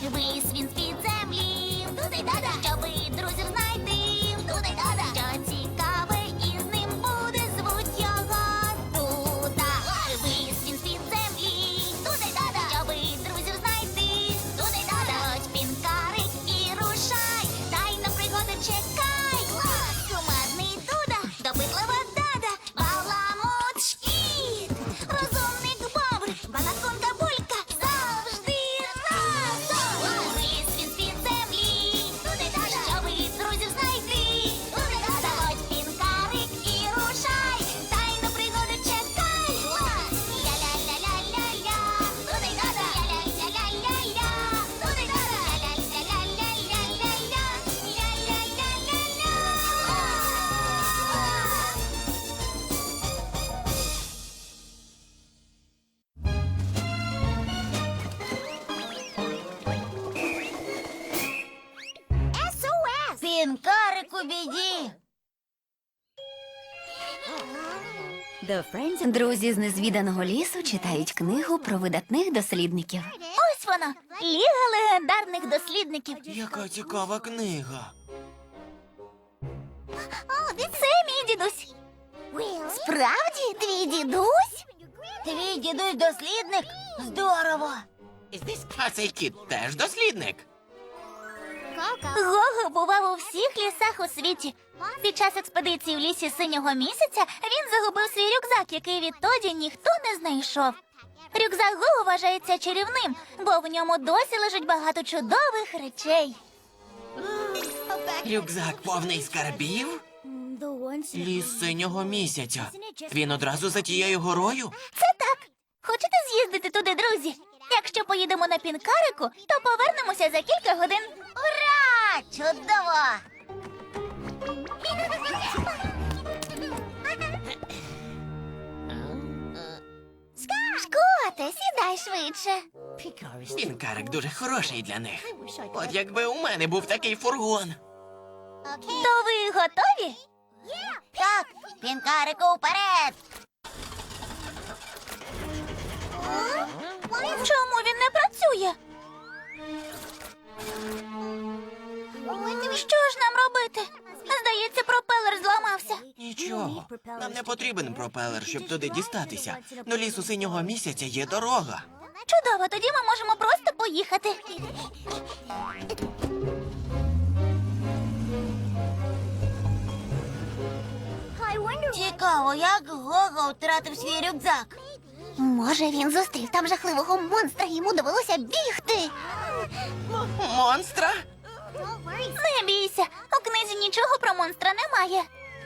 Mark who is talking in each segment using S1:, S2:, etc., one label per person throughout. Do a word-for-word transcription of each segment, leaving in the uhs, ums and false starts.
S1: Вись він з-під землі, туди-дада, щоби друзів знайти, туди-дада, що цікаве із ним буде, звуть його Дуда. Вись він з-під землі, туди-дада, щоби друзів знайти, туди-дада, ось пінкарик і рушай, дай на пригоди чекай. Кумедний Дуда, допитлива Дада, баламут шкіт, розумник Бобр, банаконка Булька, завжди разом. Виліз він з-під землі, туди-дада, щоби друзів знайти, туди-дада, ось пінкарик і рушай, дай на пригоди чекай. Ля-ля-ля-ля-ля-ля, туди-дада, ля-ля-ля-ля-ля-ля, туди-дада, ля-ля-ля-ля-ля-ля-ля, ля-ля-ля-ля-ля. ес о ес! Пінкарик у біді!
S2: Друзі з незвіданого лісу читають книгу про видатних дослідників.
S1: Ось вона! Ліга легендарних дослідників.
S3: Яка цікава книга.
S1: Це мій дідусь. Справді? Твій дідусь? Твій дідусь дослідник? Здорово!
S3: А цей кіт теж дослідник.
S1: Гого бував у всіх лісах у світі. Під час експедиції в лісі синього місяця він загубив свій рюкзак, який відтоді ніхто не знайшов. Рюкзак Гого вважається чарівним, бо в ньому досі лежить багато чудових речей.
S3: Рюкзак повний скарбів? Ліс синього місяця. Він одразу за тією горою?
S1: Це так. Хочете з'їздити туди, друзі? Якщо поїдемо на пінкарику, то повернемося за кілька годин. Ура! Чудово! Шкоте, сідай швидше.
S3: Пінкарик дуже хороший для них. От якби у мене був такий фургон.
S1: То ви готові? Так, пінкарику вперед! Чому він не працює? Що ж нам робити? Здається, пропелер зламався.
S3: Нічого. Нам не потрібен пропелер, щоб туди дістатися. До лісу синього місяця є дорога.
S1: Чудово, тоді ми можемо просто поїхати. Цікаво, як Гого втратив свій рюкзак. Може, він зустрів там жахливого монстра, і йому довелося бігти.
S3: Монстра?
S1: Не бійся, у книзі нічого про монстра немає.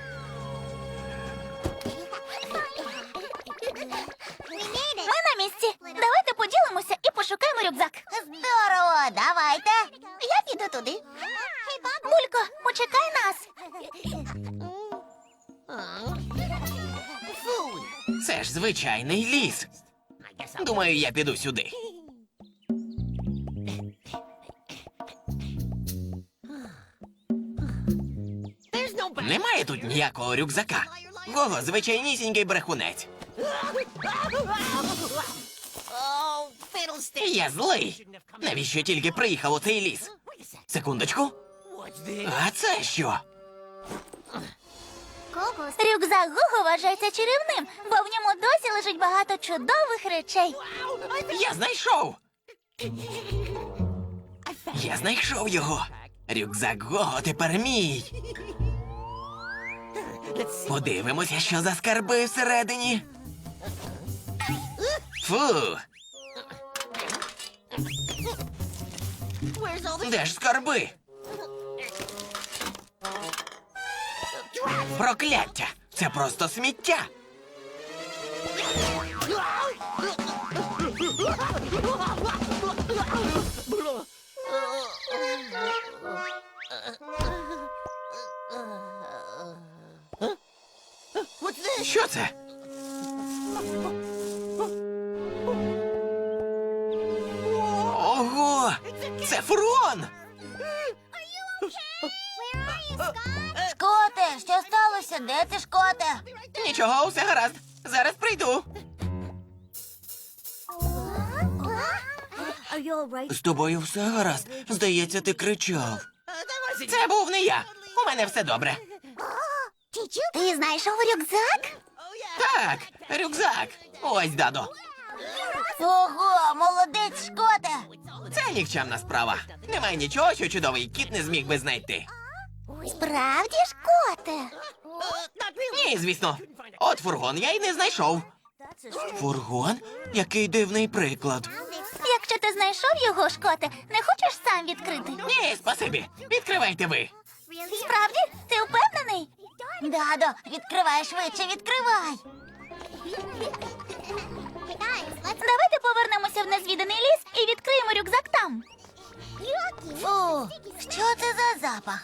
S1: Ми на місці. Давайте поділимося і пошукаємо рюкзак. Здорово, давайте. Я піду туди. Булько, почекай нас.
S3: Це ж звичайний ліс. Думаю, я піду сюди. Немає тут ніякого рюкзака. Гого звичайнісінький брехунець. Я злий. Навіщо тільки приїхав у цей ліс? Секундочку. А це що?
S1: Рюкзак Гого вважається чарівним, бо в ньому досі лежить багато чудових речей.
S3: Я знайшов! Я знайшов його! Рюкзак Гого тепер мій! Подивимося, що за скарби всередині. Фу! Де ж скарби? Прокляття! Це просто сміття! Що це? Ого! Це фургон!
S1: Шкоте, що сталося? Де ти, Шкоте?
S3: Нічого, усе гаразд. Зараз прийду. З тобою все гаразд? Здається, ти кричав. Це був не я. У мене все добре.
S1: Ти знайшов рюкзак?
S3: Так, рюкзак. Ось, дадо.
S1: Ого, молодець, Шкоте!
S3: Це нікчемна справа. Немає нічого, що чудовий кіт не зміг би знайти.
S1: Справді, Шкоте?
S3: Ні, звісно. От фургон я й не знайшов. Фургон? Який дивний приклад.
S1: Якщо ти знайшов його, Шкоте, не хочеш сам відкрити?
S3: Ні, спасибі. Відкривайте ви.
S1: Справді? Ти впевнений? Дадо, відкривай швидше, відкривай. Давайте повернемося в незвіданий ліс і відкриємо рюкзак там. Фу, що це за запах?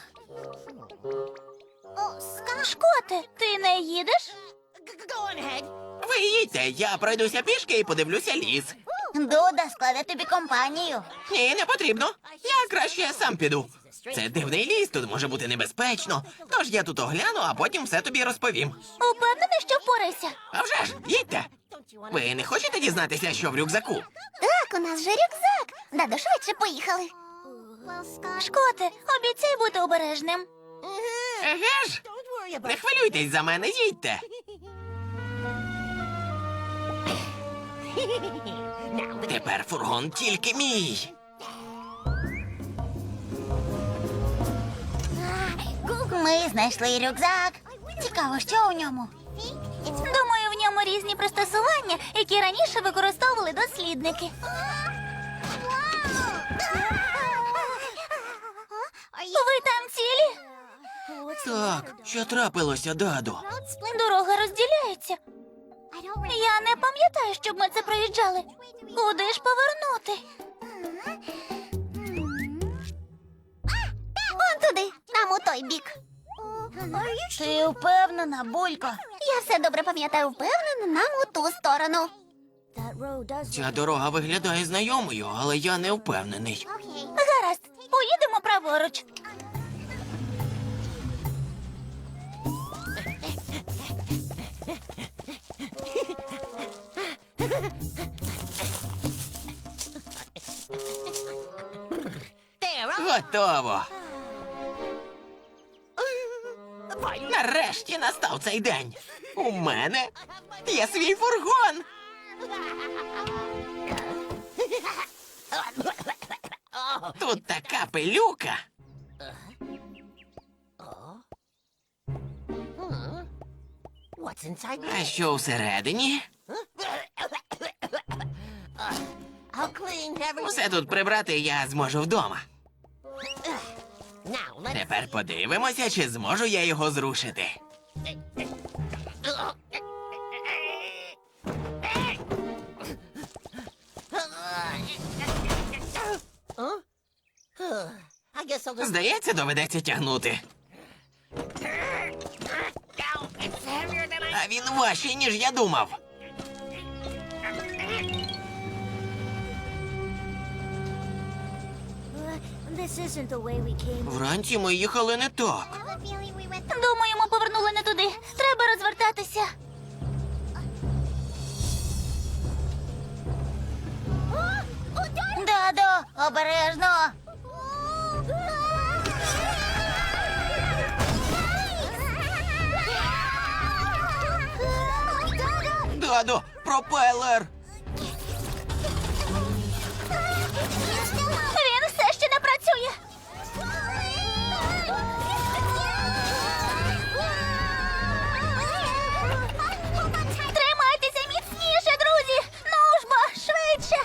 S1: Шкоте, ти не їдеш?
S3: Ви їдьте, я пройдуся пішки і подивлюся ліс.
S1: Дуда складе тобі компанію.
S3: Ні, не потрібно. Я краще сам піду. Це дивний ліс, тут може бути небезпечно. Тож я тут огляну, а потім все тобі розповім.
S1: Упевнений, що впорайся?
S3: А вже ж, їдьте. Ви не хочете дізнатися, що в рюкзаку?
S1: Так, у нас же рюкзак. Дадо, швидше поїхали. Шкоте, обіцяй бути обережним.
S3: Еге ж? Не хвилюйтесь за мене, їдьте. Тепер фургон тільки мій.
S1: Ми знайшли рюкзак. Цікаво, що у ньому? Думаю, в ньому різні пристосування, які раніше використовували дослідники. Ви там цілі?
S3: Так, що трапилося, дадо?
S1: Дорога розділяється. Я не пам'ятаю, щоб ми це проїжджали. Куди ж повернути? Вон туди, там у той бік. Ти впевнена, Булько? Я все добре пам'ятаю, впевнена, нам у ту сторону.
S3: Ця дорога виглядає знайомою, але я не впевнений.
S1: Гаразд, поїдемо праворуч.
S3: Готово. Нарешті настав цей день. У мене є свій фургон. Тут така пилюка. А що всередині? Все тут прибрати я зможу вдома. Тепер подивимося, чи зможу я його зрушити. Здається, доведеться тягнути. А він важчий, ніж я думав. Вранці ми їхали не так.
S1: Думаю, ми повернули не туди. Треба розвертатися. Дадо, обережно.
S3: Дадо, пропелер!
S1: Він все ще не працює. Тримайтеся міцніше, друзі! Ну ж бо, швидше!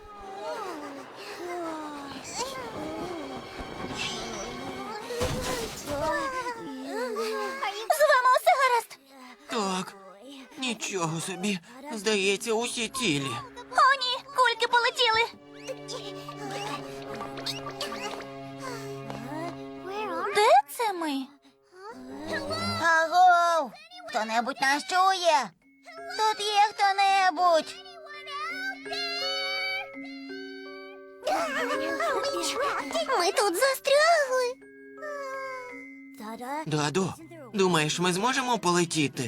S1: З вами усе гаразд?
S3: Так, нічого собі. Здається, усі цілі.
S1: О, ні, кульки полетіли. Де це ми? Агов! Хто-небудь нас чує? Тут є хто-небудь. Ми тут застрягли.
S3: Дадо, думаєш, ми зможемо полетіти?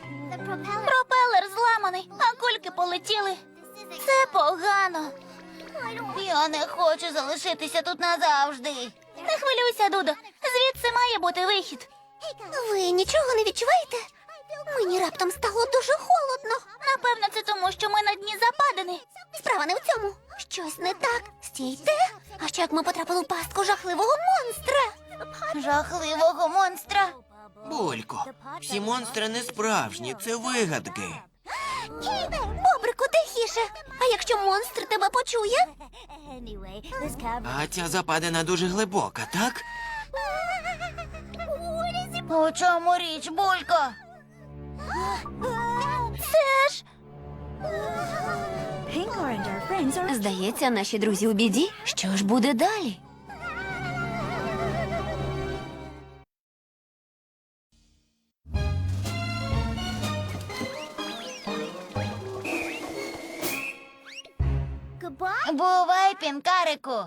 S1: Пропелер зламаний, а кульки полетіли. Це погано. Я не хочу залишитися тут назавжди. Не хвилюйся, Дудо. Звідси має бути вихід. Ви нічого не відчуваєте? Мені раптом стало дуже холодно. Напевно, це тому, що ми на дні западини. Справа не в цьому. Щось не так. Стійте. А що як ми потрапили в пастку жахливого монстра? Жахливого монстра?
S3: Булько, всі монстри не справжні, це вигадки.
S1: Бобрику, тихіше. А якщо монстр тебе почує?
S3: А ця западина дуже глибока, так?
S1: У чому річ, Булько? Це ж...
S2: Здається, наші друзі у біді. Що ж буде далі?
S1: Бувай, пінкарику.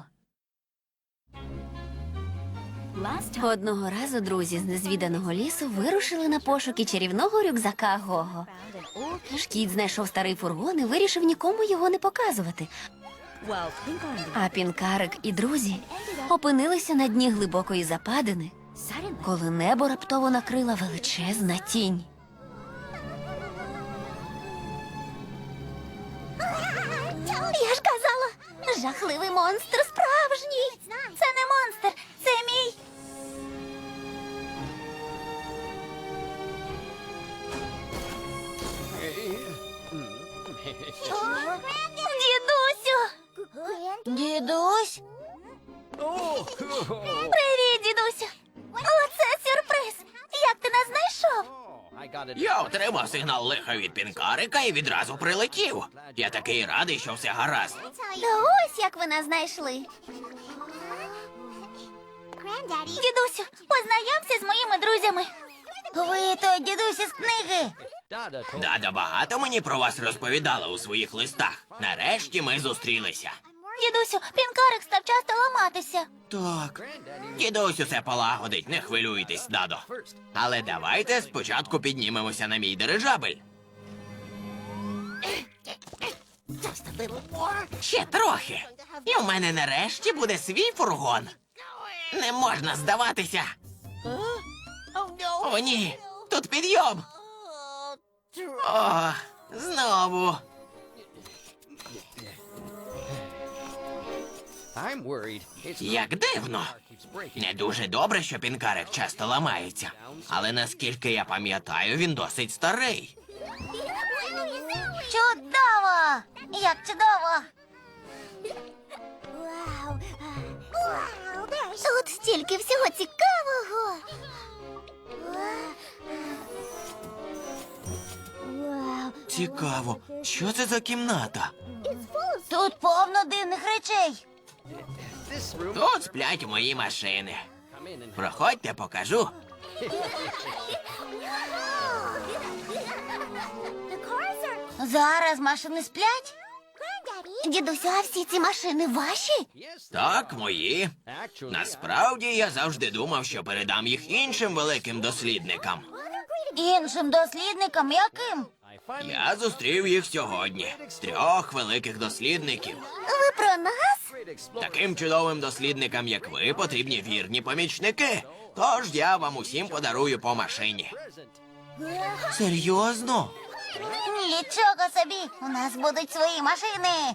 S2: Одного разу друзі з незвіданого лісу вирушили на пошуки чарівного рюкзака Гого. Шкіт знайшов старий фургон і вирішив нікому його не показувати. А Пінкарик і друзі опинилися на дні глибокої западини, коли небо раптово накрила величезна тінь.
S1: Я ж казала, жахливий монстр справжній. Це не монстр, це мій. Дідусю. Дідусь? Привіт, дідусю. Оце сюрприз. Як ти нас знайшов?
S3: Я отримав сигнал лиха від Пінкарика і відразу прилетів. Я такий радий, що все гаразд.
S1: Та ось як ви нас знайшли. Дідусю, познайомся з моїми друзями. Ви той дідусь із книги.
S3: Дада багато мені про вас розповідала у своїх листах. Нарешті ми зустрілися.
S1: Дідусю, пінкарик став часто ламатися.
S3: Так, дідусь усе полагодить, не хвилюйтесь, дадо. Але давайте спочатку піднімемося на мій дирижабель. Ще трохи. І в мене нарешті буде свій фургон. Не можна здаватися. О, ні, тут підйом. О, знову. Як дивно. Не дуже добре, що Пінкарик часто ламається. Але наскільки я пам'ятаю, він досить старий.
S1: Чудово! Як чудово! Тут стільки всього цікавого.
S3: Цікаво, що це за кімната?
S1: Тут повно дивних речей.
S3: Тут сплять мої машини. Проходьте, покажу.
S1: Зараз машини сплять? Дідусю, а всі ці машини ваші?
S3: Так, мої. Насправді я завжди думав, що передам їх іншим великим дослідникам.
S1: Іншим дослідникам яким?
S3: Я зустрів їх сьогодні. Трьох великих дослідників.
S1: Ви про нас?
S3: Таким чудовим дослідникам, як ви, потрібні вірні помічники. Тож я вам усім подарую по машині. Серйозно?
S1: Нічого собі, у нас будуть свої машини.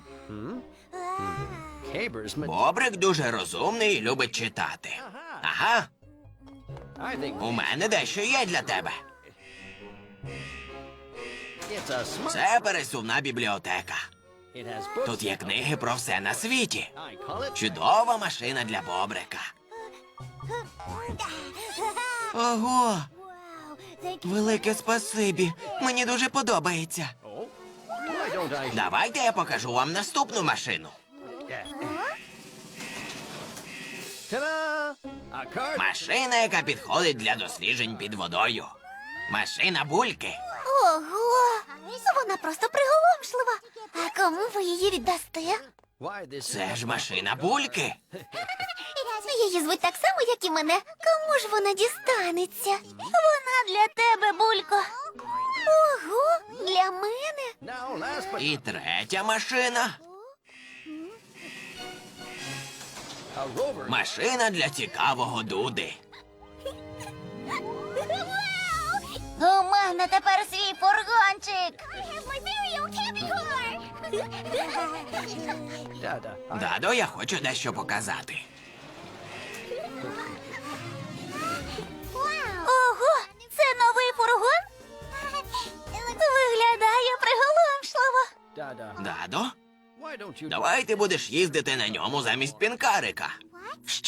S3: Бобрик дуже розумний і любить читати. Ага, у мене дещо є для тебе. Це пересувна бібліотека. Тут є книги про все на світі. Чудова машина для Бобрика. Ого! Велике спасибі. Мені дуже подобається. Давайте я покажу вам наступну машину. Машина, яка підходить для досліджень під водою. Машина Бульки.
S1: Ого! Вона просто приголомшлива. А кому ви її віддасте?
S3: Це ж машина Бульки.
S1: Її звуть так само, як і мене. Кому ж вона дістанеться? Вона для тебе, Булько. Ого, для мене.
S3: І третя машина. Машина для цікавого Дуди.
S1: У мене тепер свій фургончик.
S3: Дадо, я хочу дещо показати.
S1: Ого, це новий фургон? Виглядає приголомшливо.
S3: Дадо, давай ти будеш їздити на ньому замість пінкарика.
S1: Що?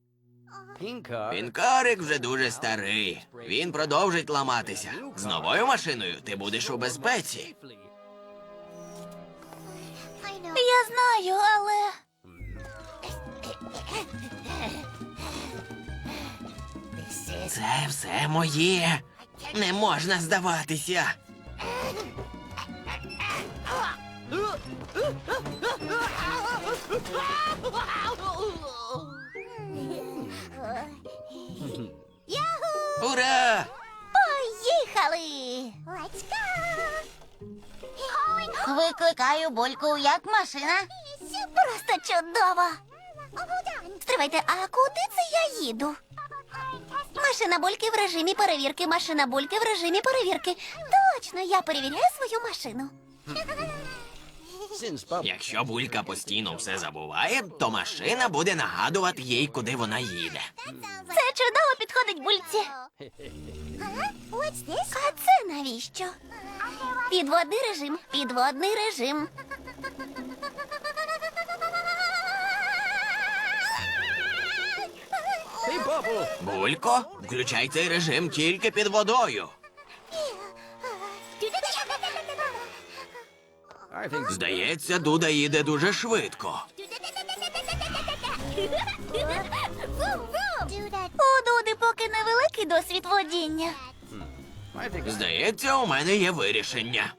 S3: Пінкарик вже дуже старий. Він продовжить ламатися. З новою машиною ти будеш у безпеці.
S1: Я знаю, але...
S3: Це все моє. Не можна здаватися. Ура!
S1: Поїхали! Викликаю Бульку, як машина. Просто чудово. Стривайте, а куди це я їду? Машина Бульки в режимі перевірки, машина Бульки в режимі перевірки. Точно, я перевіряю свою машину.
S3: Якщо Булька постійно все забуває, то машина буде нагадувати їй, куди вона їде.
S1: Це чудово підходить Бульці. А це навіщо? Підводний режим, підводний режим.
S3: Булько, включай цей режим тільки під водою. Здається, Дуда їде дуже швидко.
S1: У Дуди поки невеликий досвід водіння.
S3: Здається, у мене є вирішення.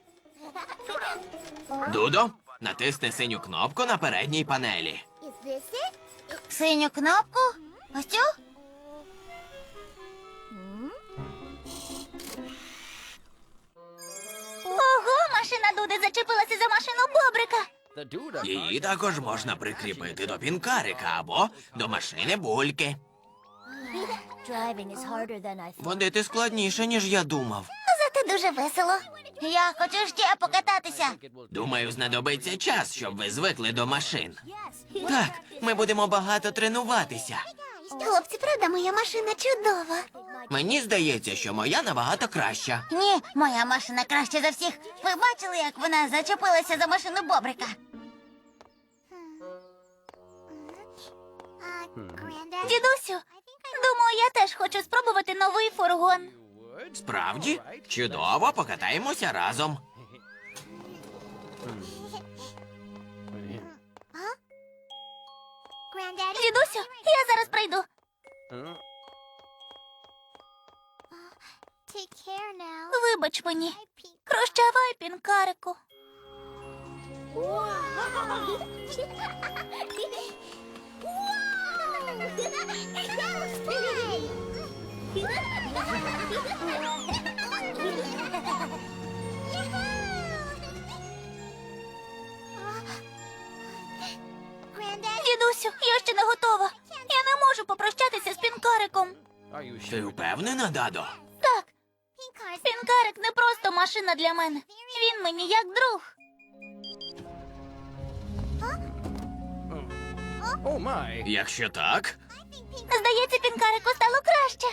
S3: Дудо, натисни синю кнопку на передній панелі.
S1: Синю кнопку? Ось цю? Ого, машина Дуди зачепилася за машину Бобрика.
S3: Її також можна прикріпити до пінкарика або до машини Бульки. Водити складніше, ніж я думав.
S1: Зате дуже весело. Я хочу ще покататися.
S3: Думаю, знадобиться час, щоб ви звикли до машин. Так, ми будемо багато тренуватися.
S1: Хлопці, правда, моя машина чудова.
S3: Мені здається, що моя набагато краща.
S1: Ні, моя машина краще за всіх. Ви бачили, як вона зачепилася за машину Бобрика? Дідусю, думаю, я теж хочу спробувати новий фургон.
S3: Справді? Чудово, покатаємося разом.
S1: Дідусю, я зараз прийду. Вибач мені. Прощавай, пінкарику. Дідусю, я ще не готова. Я не можу попрощатися з пінкариком.
S3: Ти впевнена, Дадо?
S1: Так, пінкарик не просто машина для мене. Він мені як друг.
S3: Якщо так,
S1: Здається, пінкарику стало краще.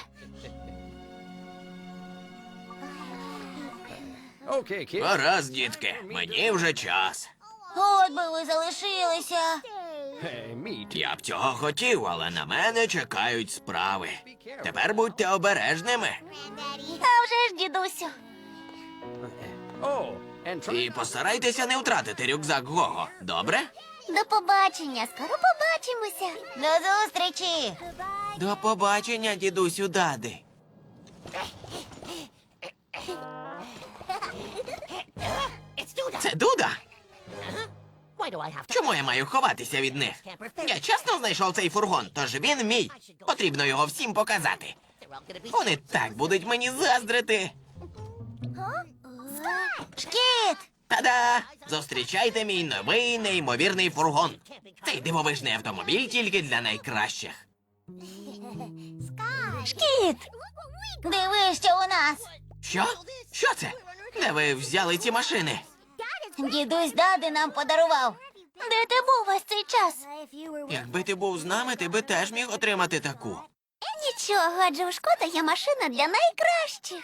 S3: гаразд, дітки, мені вже час.
S1: От би ви залишилися.
S3: Я б цього хотів, але на мене чекають справи. Тепер будьте обережними.
S1: А вже ж, дідусю.
S3: І постарайтеся не втратити рюкзак Гого, добре?
S1: До побачення. Скоро побачимося. До зустрічі.
S3: До побачення, дідусю Дади. Це Дуда? Чому я маю ховатися від них? Я чесно знайшов цей фургон, тож він мій. Потрібно його всім показати. Вони так будуть мені заздрити.
S1: Шкіт!
S3: Та-да! Зустрічайте мій новий неймовірний фургон. Цей дивовижний автомобіль тільки для найкращих.
S2: Шкіт!
S1: Диви, що у нас.
S3: Що? Що це? Де ви взяли ці машини?
S1: Дідусь Дади нам подарував. Де ти був весь цей час?
S3: Якби ти був з нами, ти би теж міг отримати таку.
S2: Нічого, адже у Шкота є машина для найкращих.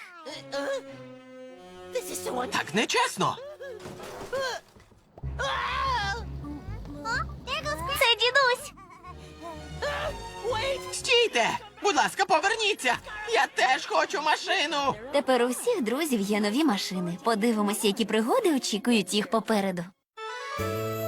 S3: Так нечесно.
S2: Це дідусь.
S3: Стійте! Будь ласка, поверніться! Я теж хочу машину!
S2: Тепер у всіх друзів є нові машини. Подивимося, які пригоди очікують їх попереду.